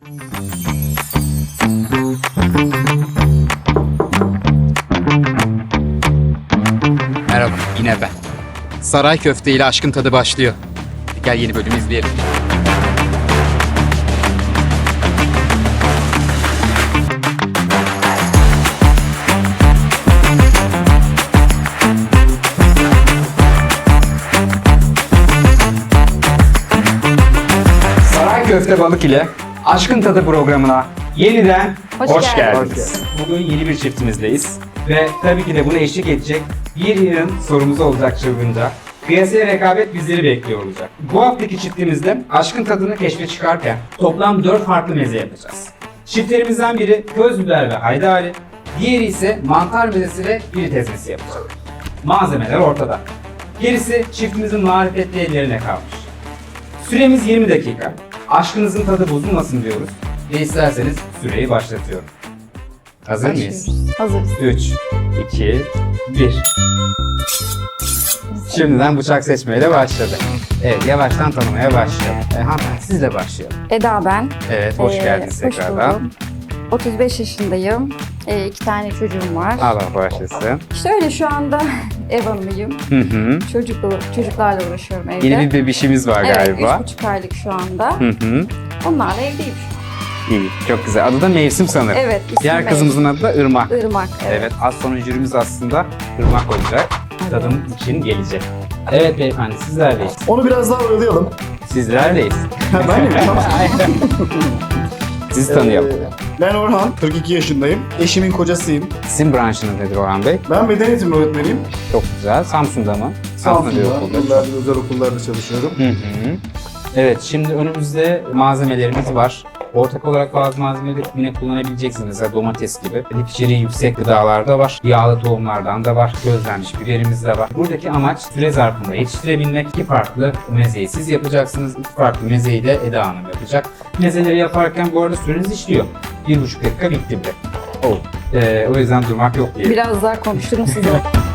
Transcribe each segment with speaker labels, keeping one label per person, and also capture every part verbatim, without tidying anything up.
Speaker 1: Merhaba, yine ben. Saray köfte ile aşkın tadı başlıyor. Gel yeni bölümü izleyelim. Saray köfte balık ile aşkın tadı programına yeniden
Speaker 2: Hoş
Speaker 1: hoş,
Speaker 2: geldiniz.
Speaker 1: geldiniz. Bugün yeni bir çiftimizdeyiz ve tabii ki de buna eşlik edecek bir yığın sorumuz olacak çılgınca. Kıyasaya rekabet bizleri bekliyor olacak. Bu haftaki çiftimizde aşkın tadını keşfe çıkarken toplam dört farklı meze yapacağız. Çiftlerimizden biri köz biber ve haydari, diğeri ise mantar mezesi ve biri ezmesi yapacak. Malzemeler ortada. Gerisi çiftimizin marifetli ellerine kalmış. Süremiz yirmi dakika. Aşkınızın tadı bozulmasın diyoruz ve isterseniz süreyi başlatıyorum. Hazır mıyız?
Speaker 2: Hazırız.
Speaker 1: üç, iki, bir. Şimdiden bıçak seçmeyle başladı. Evet, yavaştan tanımaya başlayalım. E, hanımefendi sizle başlayalım.
Speaker 2: Eda ben.
Speaker 1: Evet, hoş
Speaker 2: Ee,
Speaker 1: geldiniz
Speaker 2: hoş
Speaker 1: tekrardan.
Speaker 2: buldum. otuz beş yaşındayım. Ee, iki tane çocuğum var.
Speaker 1: Allah başlasın.
Speaker 2: İşte öyle şu anda ev hanımıyım.
Speaker 1: Hı hı.
Speaker 2: Çocukla, çocuklarla uğraşıyorum evde.
Speaker 1: Yeni bir bebişimiz var
Speaker 2: Evet,
Speaker 1: galiba.
Speaker 2: üç buçuk aylık şu anda.
Speaker 1: Hı hı.
Speaker 2: Onlarla evdeyim şu an.
Speaker 1: İyi, çok güzel. Adı da Mevsim sanırım.
Speaker 2: Evet, ismi
Speaker 1: Diğer
Speaker 2: Mevsim.
Speaker 1: kızımızın adı da Irmak.
Speaker 2: Irmak. Evet.
Speaker 1: Evet, az sonra jürimiz aslında Irmak olacak. Tadım için gelecek. Evet beyefendi, sizlerleyiz.
Speaker 3: Onu biraz daha oyalayalım.
Speaker 1: Sizlerleyiz.
Speaker 3: Ben mi? Tamam.
Speaker 1: Sizi tanıyalım.
Speaker 3: Ee, ben Orhan, kırk iki yaşındayım. Eşimin kocasıyım.
Speaker 1: Sizin branşınız nedir Orhan Bey?
Speaker 3: Ben beden eğitimi öğretmeniyim.
Speaker 1: Çok güzel. Samsun'da mı? bir
Speaker 3: Samsun'da,
Speaker 1: okulda.
Speaker 3: yıllardır özel okullarda çalışıyorum.
Speaker 1: Hı hı. Evet, şimdi önümüzde malzemelerimiz var. Ortak olarak bazı malzemeleri yine kullanabileceksiniz. Mesela domates gibi. Lif içeriği yüksek gıdalarda var. Yağlı tohumlardan da var. Közlenmiş biberimiz de var. Buradaki amaç süre zarfında yetiştirebilmek. İki farklı mezeyi siz yapacaksınuz. İki farklı mezeyi de Eda Hanım yapacak. Mezeleri yaparken bu arada süreniz işliyor. Bir buçuk dakika bitti bile. Oh. Ee, o yüzden durmak yok diye.
Speaker 2: Biraz daha konuşturum size.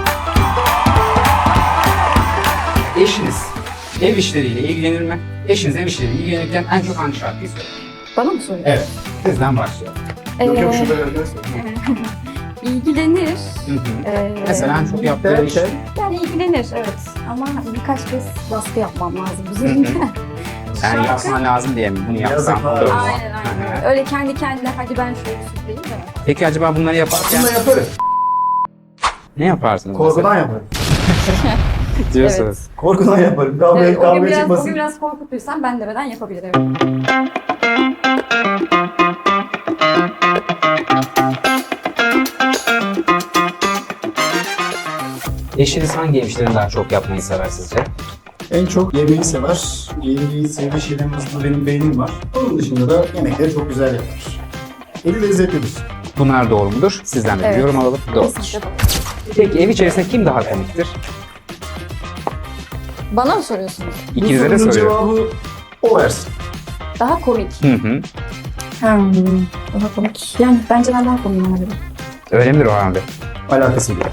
Speaker 1: Eşiniz ev işleriyle ilgilenir mi? Eşiniz ev işleriyle ilgilenirken en çok hangi şarkıyı söyler?
Speaker 2: Bana mı soruyorsun?
Speaker 1: Evet. Sizden başlayalım.
Speaker 3: Yok yok
Speaker 2: Ee,
Speaker 3: şurada arkadaşlar.
Speaker 2: İlgilenir.
Speaker 1: Hı hı.
Speaker 2: Ee,
Speaker 1: Mesela en çok yaptığı iş.
Speaker 2: Yani ilgilenir evet. Ama birkaç kez baskı yapmam lazım üzerine.
Speaker 1: Yani yapman lazım diye mi? Bunu yapsam
Speaker 3: Yazık var.
Speaker 1: olur mu?
Speaker 2: Aynen aynen. Öyle kendi kendine hadi ben şöyle süpüreyim de.
Speaker 1: Peki acaba bunları yaparken
Speaker 3: Bunu da yaparım.
Speaker 1: ne yaparsınız
Speaker 3: Korkudan yaparım.
Speaker 1: mesela? Diyorsunuz.
Speaker 3: Korkudan yaparım. Kavga,
Speaker 2: Evet, o gün
Speaker 3: kavga
Speaker 2: biraz, o
Speaker 3: çıkmasın.
Speaker 2: gün biraz korkutuysam ben demeden yapabilirim.
Speaker 1: Eşiniz hangi ev işlerini daha çok yapmayı sever sizce?
Speaker 3: En çok yemeği sever. Yemeği sevdiği şeylerin arasında benim beynim var. Onun dışında da yemekleri çok güzel yapar. Eli lezzetlidir.
Speaker 1: Bunlar doğru mudur? Sizden de bir
Speaker 2: Evet.
Speaker 1: yorum alalım. Doğrudur.
Speaker 2: Kesinlikle doğru.
Speaker 1: Peki ev içerisinde kim daha komiktir?
Speaker 2: Bana mı soruyorsunuz?
Speaker 1: İkinize
Speaker 3: Bu
Speaker 1: de
Speaker 3: sorunun
Speaker 1: soruyorum.
Speaker 3: cevabı o versin.
Speaker 2: Daha komik.
Speaker 1: Hı hı.
Speaker 2: Hmm, daha komik. Yani bence ben daha komik olabilirim.
Speaker 1: Öyle midir Orhan Bey?
Speaker 3: Alakası bile.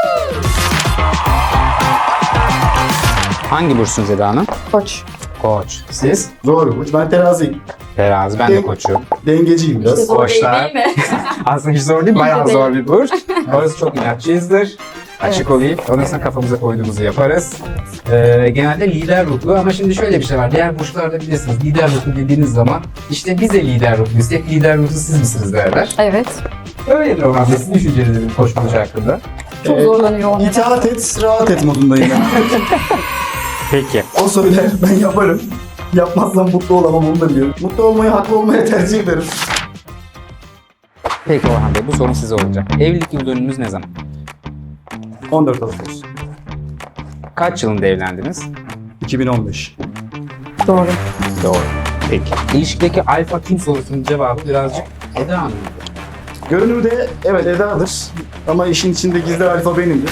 Speaker 1: Hangi burçsunuz Eda Hanım?
Speaker 2: Koç.
Speaker 1: Koç. Siz?
Speaker 3: Zor bir burç. Ben teraziyim.
Speaker 1: Terazi. Ben de koçum.
Speaker 3: Dengeciyim biraz.
Speaker 2: İşte zor
Speaker 1: Boşlar.
Speaker 2: değil mi?
Speaker 1: Aslında hiç zor değil, bayağı
Speaker 2: Hiç de
Speaker 1: zor bir burç. Orası çok inatçıyızdır. Açık olayım. Ondan sonra kafamıza koyduğumuzu yaparız. Ee, genelde lider ruhlu ama şimdi şöyle bir şey var. Diğer burçlarda bilirsiniz lider ruhlu dediğiniz zaman işte bize lider ruhluyuz. Tek lider ruhlu siz misiniz derler.
Speaker 2: Evet.
Speaker 1: Öyledir o halde. Sizin düşünceleriniz koç burcu hakkında.
Speaker 2: Çok
Speaker 3: Ee,
Speaker 2: zorlanıyor onlar.
Speaker 3: İtaat et, rahat et modundayım ben.
Speaker 1: Peki.
Speaker 3: O söyler, ben yaparım. Yapmazsam mutlu olamam onu da biliyorum. Mutlu olmayı, haklı olmaya tercih ederim.
Speaker 1: Peki Orhan Bey bu sorun size olacak. Evlilik yıl dönümünüz ne zaman?
Speaker 3: on dört Ağustos
Speaker 1: Kaç yılında evlendiniz?
Speaker 3: iki bin on beş.
Speaker 2: Doğru.
Speaker 1: Doğru. Peki. İlişkideki alfa kim sorusunun cevabı birazcık Eda Hanım'dı.
Speaker 3: Görünürde evet Eda'dır ama işin içinde gizli alfa benimdir.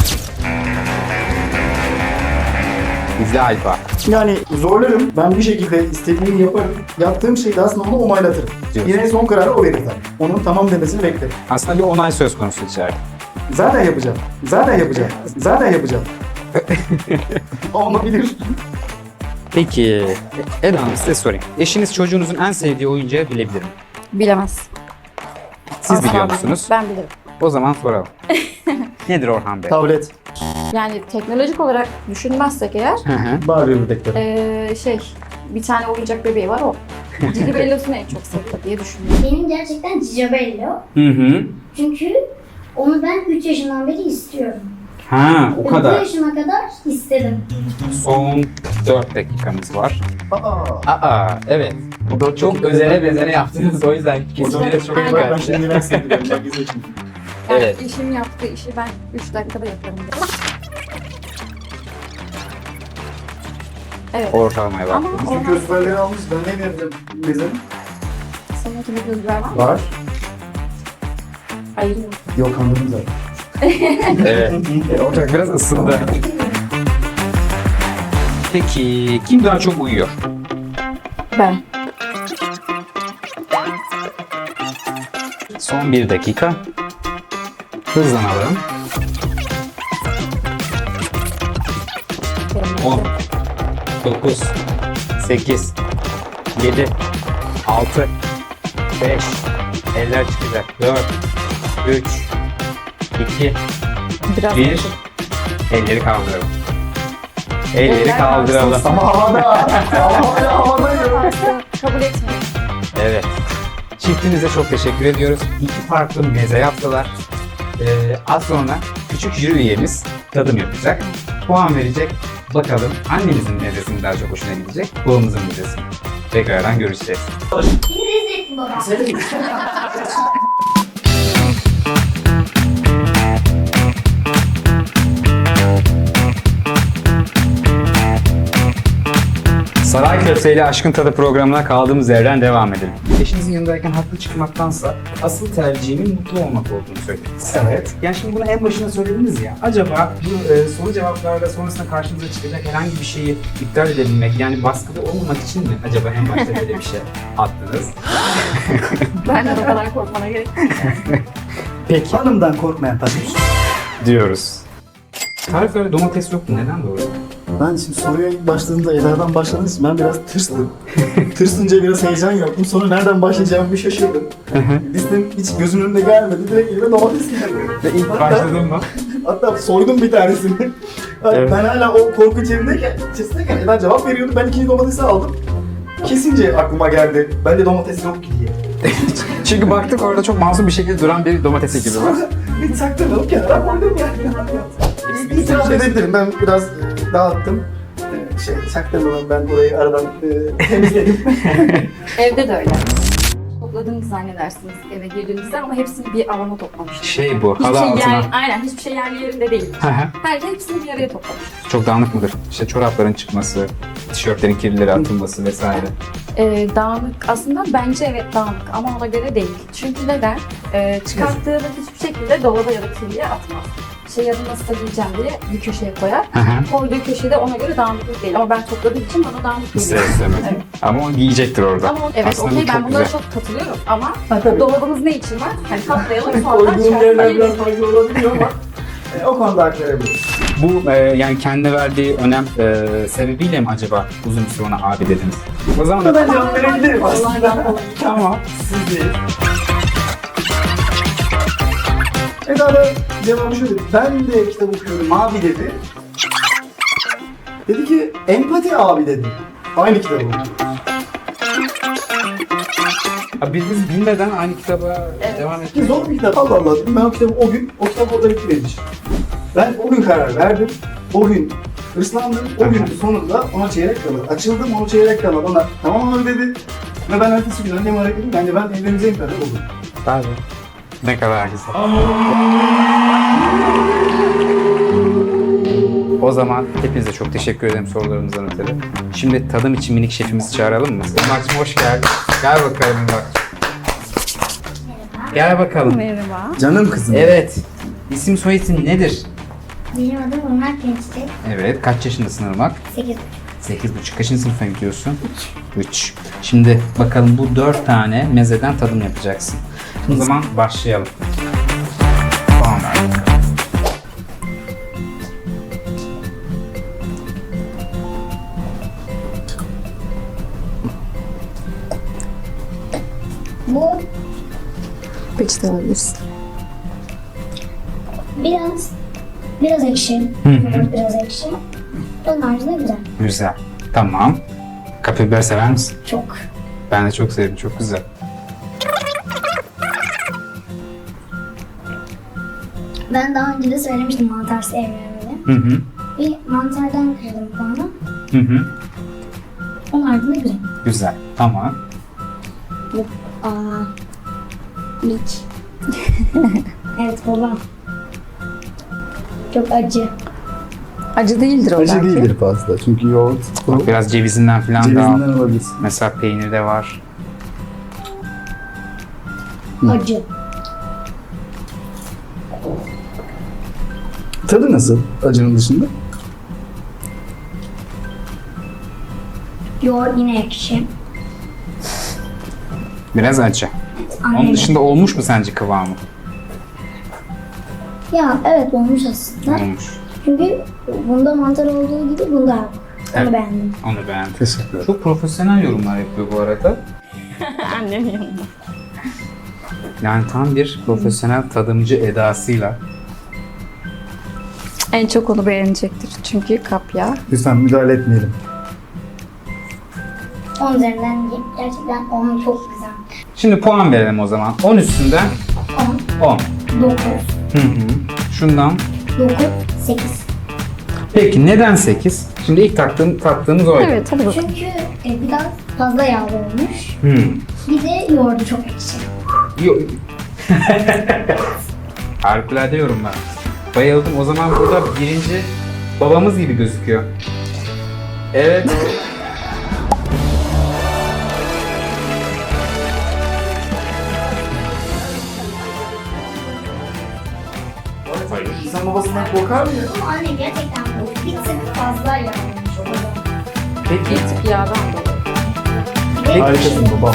Speaker 1: Bizde alfa.
Speaker 3: Yani zorlarım, ben bir şekilde istediğimi yaparım. Yaptığım şeyi de aslında onu onaylatırım.
Speaker 1: Diyorsun.
Speaker 3: Yine son kararı o verir tabii. Onun tamam demesini beklerim.
Speaker 1: Aslında bir onay söz konusu içeride.
Speaker 3: Zaten yapacağım. Zaten yapacağım. Zaten yapacağım. Olabilir.
Speaker 1: Peki Eda Hanım size sorayım. Eşiniz çocuğunuzun en sevdiği oyuncağı bilebilir mi?
Speaker 2: Bilemez.
Speaker 1: Siz
Speaker 2: Asla
Speaker 1: biliyor
Speaker 2: bilmem.
Speaker 1: musunuz?
Speaker 2: Ben bilirim.
Speaker 1: O zaman soralım. Nedir Orhan Bey?
Speaker 3: Tablet.
Speaker 2: Yani teknolojik olarak düşünmezsek eğer
Speaker 1: Hı hı.
Speaker 3: Barbie bebekleri.
Speaker 2: ee, şey bir tane oyuncak bebeği var o. Cici Bellos'unu en çok seviyor diye düşünüyorum.
Speaker 4: Benim gerçekten Cicabello.
Speaker 1: Hı hı.
Speaker 4: Çünkü onu ben üç yaşından beri istiyorum.
Speaker 1: Ha, o
Speaker 4: Bu
Speaker 1: kadar.
Speaker 4: yaşıma kadar istedim.
Speaker 1: Son dört dakikamız var.
Speaker 3: Aa.
Speaker 1: Aa, evet.
Speaker 3: O da
Speaker 1: Çok özene bezene yaptınız o yüzden kesinlikle çok
Speaker 2: Aynen.
Speaker 3: Ben
Speaker 1: dikkatli.
Speaker 3: şimdi üniversiteye gidiyorum. Ben gizli için.
Speaker 2: Yani
Speaker 1: Evet.
Speaker 2: eşim yaptığı işi ben üç dakikada yaparım diye. Evet.
Speaker 1: Ortalamaya
Speaker 2: Ama
Speaker 1: baktınız.
Speaker 3: Bütün
Speaker 2: Orhan,
Speaker 3: kösperleri almış. Ben ne vereceğim bizim?
Speaker 2: senin kimi gözler var mı?
Speaker 3: Var.
Speaker 2: Hayır.
Speaker 3: Yok anladım zaten.
Speaker 1: Evet. E, Ortak biraz ısındı. Peki kim daha çok uyuyor?
Speaker 2: Ben.
Speaker 1: Son bir dakika. Hızlanalım. on, dokuz, sekiz, yedi, altı, beş, eller çıkacak. dört, üç, iki,
Speaker 2: Biraz
Speaker 1: bir. Elleri kaldıralım. Elleri
Speaker 2: Eller
Speaker 1: kaldıralım.
Speaker 3: Ama havada. Havada. Havada.
Speaker 2: kabul etmiyorum.
Speaker 1: Evet. Çiftimize çok teşekkür ediyoruz. İki farklı meze yaptılar. Ee, az sonra küçük jüri üyemiz tadım yapacak. Puan verecek. Bakalım annemizin mezesi daha çok hoşuna gidecek, babamızın mezesi. Tekrardan görüşeceğiz.
Speaker 4: Beni rezil ettin baba.
Speaker 1: Saray Köfte ile Aşkın Tadı programına kaldığımız yerden devam edelim. Eşinizin yanındayken haklı çıkmaktansa asıl tercihimin mutlu olmak olduğunu söylediniz.
Speaker 3: Evet.
Speaker 1: Yani şimdi bunu en başına söylediniz ya. Acaba bu e, soru cevaplarda sonrasında karşınıza çıkacak herhangi bir şeyi iptal edebilmek, yani baskıda olmamak için mi acaba en başta böyle bir şey attınız?
Speaker 2: Ben de o kadar korkmana gerek yok.
Speaker 1: Peki
Speaker 3: Hanımdan korkmayan taşmış.
Speaker 1: diyoruz. Tariflerde domates yoktu. Neden doğru?
Speaker 3: Ben şimdi soruya ilk başladığımda Eda'dan başladığım için ben biraz tırstım. Tırsınca biraz heyecan yaptım. Sonra nereden başlayacağımı bir şaşırdım. Listem hiç gözümün önüne gelmedi. Direkt elime domates geldi.
Speaker 1: Ve ilk başladın mı?
Speaker 3: Hatta soydum bir tanesini.
Speaker 1: Evet.
Speaker 3: Ben hala o korku içerisindeyken, içerisindeyken Eda cevap veriyordu. Ben ikinci domatesi aldım. Kesince aklıma geldi. Bende domates yok ki diye.
Speaker 1: Çünkü baktık orada çok masum bir şekilde duran bir domates ekibi var.
Speaker 3: Sonra bir sakladım kenara koydum yani. İtiraf edebilirim. Ben biraz e, dağıttım. E, Şey, saklamadan ben burayı aradan e, temizledim.
Speaker 2: Evde de öyle. Topladığınızı zannedersiniz eve girdiğinizde ama hepsini bir alana toplamıştım.
Speaker 1: Şey bu,
Speaker 2: Hiçbir
Speaker 1: halı
Speaker 2: şey
Speaker 1: altına.
Speaker 2: yer, aynen hiçbir şey yerli yerinde değil.
Speaker 1: Hı hı.
Speaker 2: Her hepsini bir araya toplamış.
Speaker 1: Çok dağınık mıdır? İşte çorapların çıkması, tişörtlerin kirlileri atılması vesaire.
Speaker 2: Ee, dağınık aslında bence evet dağınık ama ona göre değil. Çünkü neden? Ee, çıkarttığını hiçbir şekilde dolaba ya da kirliye atmaz. Şey ya da nasıl giyeceğim diye bir köşeye koyar.
Speaker 1: Hı hı.
Speaker 2: Koyduğu köşede ona göre dağınıklık değil. Ama ben topladığım için bana dağınık
Speaker 1: İster
Speaker 2: geliyor.
Speaker 1: istemez.
Speaker 2: Evet.
Speaker 1: Ama o giyecektir orada.
Speaker 2: Ama o- evet
Speaker 1: Aslında bu
Speaker 2: okey ben
Speaker 1: çok
Speaker 2: bunlara
Speaker 1: güzel.
Speaker 2: çok katılıyorum ama
Speaker 3: tabii.
Speaker 2: dolabımız ne için var? Hani katlayalım sonra
Speaker 3: Koyduğum yerler biraz
Speaker 2: çıkartmayalım.
Speaker 3: farklı olabiliyor ama e, o konuda hak verebilirim.
Speaker 1: Bu e, yani kendine verdiği önem e, sebebiyle mi acaba uzun bir süre ona abi dediniz? O zaman da
Speaker 3: Ben cevap verebilirim aslında.
Speaker 1: tamam. Siz de.
Speaker 3: Eda da cevabı şöyle dedi. Ben de kitap okuyorum abi dedi. Dedi ki empati abi dedi. Aynı kitabı okuyoruz.
Speaker 1: Abi biz, biz bilmeden aynı kitaba
Speaker 2: Evet.
Speaker 1: devam
Speaker 3: Ki
Speaker 1: ettik.
Speaker 3: zor bir kitap. Allah Allah dedim. Ben o kitabı o gün, o kitap orada bitti benim için. Ben o gün karar verdim. O gün hırslandım. O gün sonunda ona çeyrek kala. Açıldım ona çeyrek kala. Bana tamam abi dedi. Ve ben ertesi gün anneme aradım. Yani ben evleneceğim kadar oldum.
Speaker 1: Tabii. Ne kadar güzel. O zaman hepinize çok teşekkür ederim sorularınızdan ötürü. Şimdi tadım için minik şefimizi çağıralım mı? Irmak'cığım hoş geldin. Gel bakalım Irmak. Gel bakalım.
Speaker 2: Merhaba.
Speaker 3: Canım kızım.
Speaker 1: Evet. İsim soyisim nedir?
Speaker 4: Benim adım Ömer Gençlik.
Speaker 1: Evet. Kaç yaşındasın Irmak?
Speaker 4: sekiz.
Speaker 1: Sekiz buçuk. Kaçıncı sınıfa gidiyorsun? Üç. Üç. Şimdi bakalım bu dört tane mezeden tadım yapacaksın. O zaman başlayalım. Tamam.
Speaker 4: Bu
Speaker 2: Peçete alabilirsin.
Speaker 4: biraz biraz ekşi.
Speaker 1: hı.
Speaker 4: Yoğurt biraz ekşi. Onun haricinde güzel.
Speaker 1: Güzel. Tamam. Kapya biber sever misin?
Speaker 4: Çok.
Speaker 1: Ben de çok sevdim. Çok güzel.
Speaker 4: Ben daha önce de söylemiştim mantar sevmiyorum diye.
Speaker 1: Hı hı.
Speaker 4: Bir mantardan kırdım puanı.
Speaker 1: Hı hı.
Speaker 4: Onun haricinde güzel.
Speaker 1: Güzel. Tamam.
Speaker 4: Aa. Lik. Evet babam. Çok acı.
Speaker 2: Acı değildir o
Speaker 3: Acı
Speaker 2: belki.
Speaker 3: değildir fazla çünkü yoğurt o
Speaker 1: Biraz cevizinden falan da
Speaker 3: cevizinden
Speaker 1: al.
Speaker 3: alabilirsin.
Speaker 1: Mesela peynir de var.
Speaker 4: Acı.
Speaker 3: Tadı nasıl acının dışında?
Speaker 4: Yoğurt yine ekşi.
Speaker 1: Biraz acı. Onun
Speaker 4: Aynen.
Speaker 1: dışında olmuş mu sence kıvamı?
Speaker 4: Ya evet olmuş aslında.
Speaker 1: Olmuş.
Speaker 4: Çünkü bunda mantar olduğu gibi bunda yok. Onu
Speaker 1: Evet.
Speaker 4: beğendim.
Speaker 1: Onu beğendim.
Speaker 3: Teşekkür ederim.
Speaker 1: Çok profesyonel yorumlar yapıyor bu arada.
Speaker 2: Annemin yanında.
Speaker 1: Yani tam bir profesyonel tadımcı edasıyla.
Speaker 2: En çok onu beğenecektir. Çünkü kapya.
Speaker 3: Lütfen müdahale etmeyelim.
Speaker 4: on üzerinden gerçekten on çok güzel.
Speaker 1: Şimdi puan verelim o zaman. on üstünden
Speaker 4: on,
Speaker 1: on.
Speaker 4: dokuz,
Speaker 1: Hı hı. Şundan.
Speaker 4: dokuz, sekiz.
Speaker 1: Peki neden sekiz? Şimdi ilk taktığım, taktığımız oydu.
Speaker 2: Evet hadi bakalım.
Speaker 4: Çünkü e, biraz fazla yağlı olmuş.
Speaker 1: Hmm.
Speaker 4: Bir de yoğurdu çok ekşi.
Speaker 1: Yo- Harikulade yorumlar. Bayıldım. O zaman burada birinci babamız gibi gözüküyor. Evet.
Speaker 3: İnsan babasından korkar mı ya?
Speaker 4: Ama anne gerçekten bu bir tık fazla yağlanmış o zaman.
Speaker 1: Peki,
Speaker 2: Bir tık yağdan dolayı.
Speaker 4: Bir de
Speaker 3: Harikasın babam.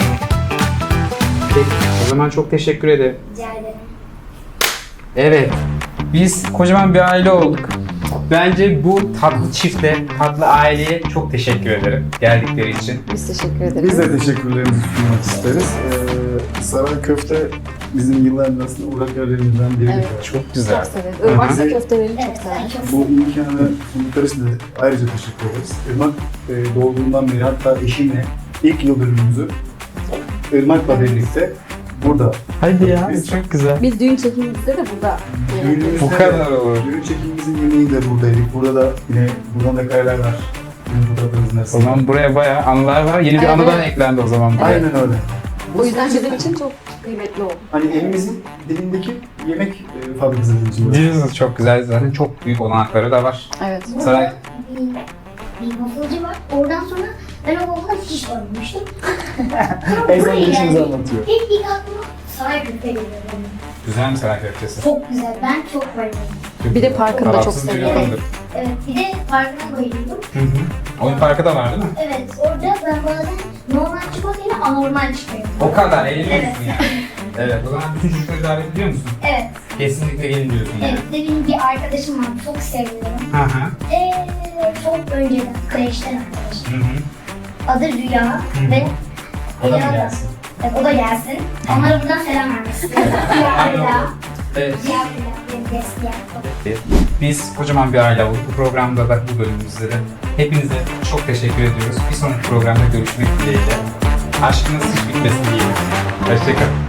Speaker 1: peki. O zaman çok teşekkür ederim.
Speaker 4: rica ederim.
Speaker 1: Evet. Biz kocaman bir aile olduk. Bence bu tatlı çifte, tatlı aileye çok teşekkür ederim geldikleri için.
Speaker 2: Biz teşekkür ederiz.
Speaker 3: Biz de teşekkürlerimizi sunmak isteriz. Ee, saray köfte bizim yılların arasında uğrak yerlerimizden biridir.
Speaker 2: Evet.
Speaker 1: Çok güzel.
Speaker 2: Çok severiz. Irmaksa
Speaker 3: Hı hı.
Speaker 2: köftelerini çok
Speaker 4: Evet ben
Speaker 2: severiz.
Speaker 4: çok
Speaker 3: Bu imkanı sundukları için de ayrıca teşekkür ederiz. Irmak e, doğduğundan beri hatta eşimle ilk yıl dönümümüzü Irmak'la birlikte burada.
Speaker 1: Hadi ya,
Speaker 3: Biz-
Speaker 1: çok güzel.
Speaker 2: Biz düğün çekimimizde de burada yemek
Speaker 3: Düğünümüzde
Speaker 1: Bu kadar olur.
Speaker 3: Düğün çekimimizin yemeği de buradaydık. Burada da yine buradan da kareler var. Düğün fotoğraflarımızın
Speaker 1: O
Speaker 3: arasında.
Speaker 1: zaman buraya bayağı anılar var. Yeni bir
Speaker 2: Evet,
Speaker 1: anıdan
Speaker 2: evet.
Speaker 1: eklendi o zaman.
Speaker 3: Aynen öyle.
Speaker 2: O yüzden bizim için çok kıymetli oldu.
Speaker 3: Hani elimizin dilindeki yemek e, fabrikası için.
Speaker 1: Diyorsunuz çok güzel. Zaten çok büyük olanakları da var.
Speaker 2: Evet.
Speaker 1: Saray.
Speaker 4: bir, bir wafflecı var. Oradan sonra ben o waffle'a hiç görmemiştim.
Speaker 3: En son işinizi anlatıyor.
Speaker 4: İlk ilk aklıma saray köfte geliyor benim.
Speaker 1: Güzel mi saray köftesi?
Speaker 4: Çok güzel. Ben çok bayıldım.
Speaker 2: Bir de parkını da çok
Speaker 1: Tarafsız bir
Speaker 2: seviyorum.
Speaker 1: yorumdur.
Speaker 4: Evet. Bir de parkına bayıldım.
Speaker 1: Hı hı. Oyun parkı da var değil mi?
Speaker 4: Evet. Orada ben bazen normal çikolatayla anormal çıkıyorum.
Speaker 1: O kadar eğleniyorsun
Speaker 4: Evet.
Speaker 1: yani. Evet, o zaman bütün çocukları davet ediyor musun?
Speaker 4: Evet.
Speaker 1: Kesinlikle gelin diyorsun yani.
Speaker 4: Evet. Bir de benim bir arkadaşım var. Çok seviyorum.
Speaker 1: Hı hı.
Speaker 4: Eee çok önceden kreşten arkadaşım.
Speaker 1: Hı hı.
Speaker 4: Adı Rüya
Speaker 1: hı.
Speaker 4: ve
Speaker 1: O da mı
Speaker 4: Rüya
Speaker 1: gelsin?
Speaker 4: Evet, o da gelsin. Onlara buradan selam vermek istiyorum. Rüya Rüya.
Speaker 1: Evet.
Speaker 4: Rüya Rüya. Benim besleyen.
Speaker 1: Biz kocaman bir aile olduk. Bu programda da, bu bölümümüzde de hepinize çok teşekkür ediyoruz. Bir sonraki programda görüşmek dileğiyle. Aşkınız hiç bitmesin diyelim. Hoşçakalın.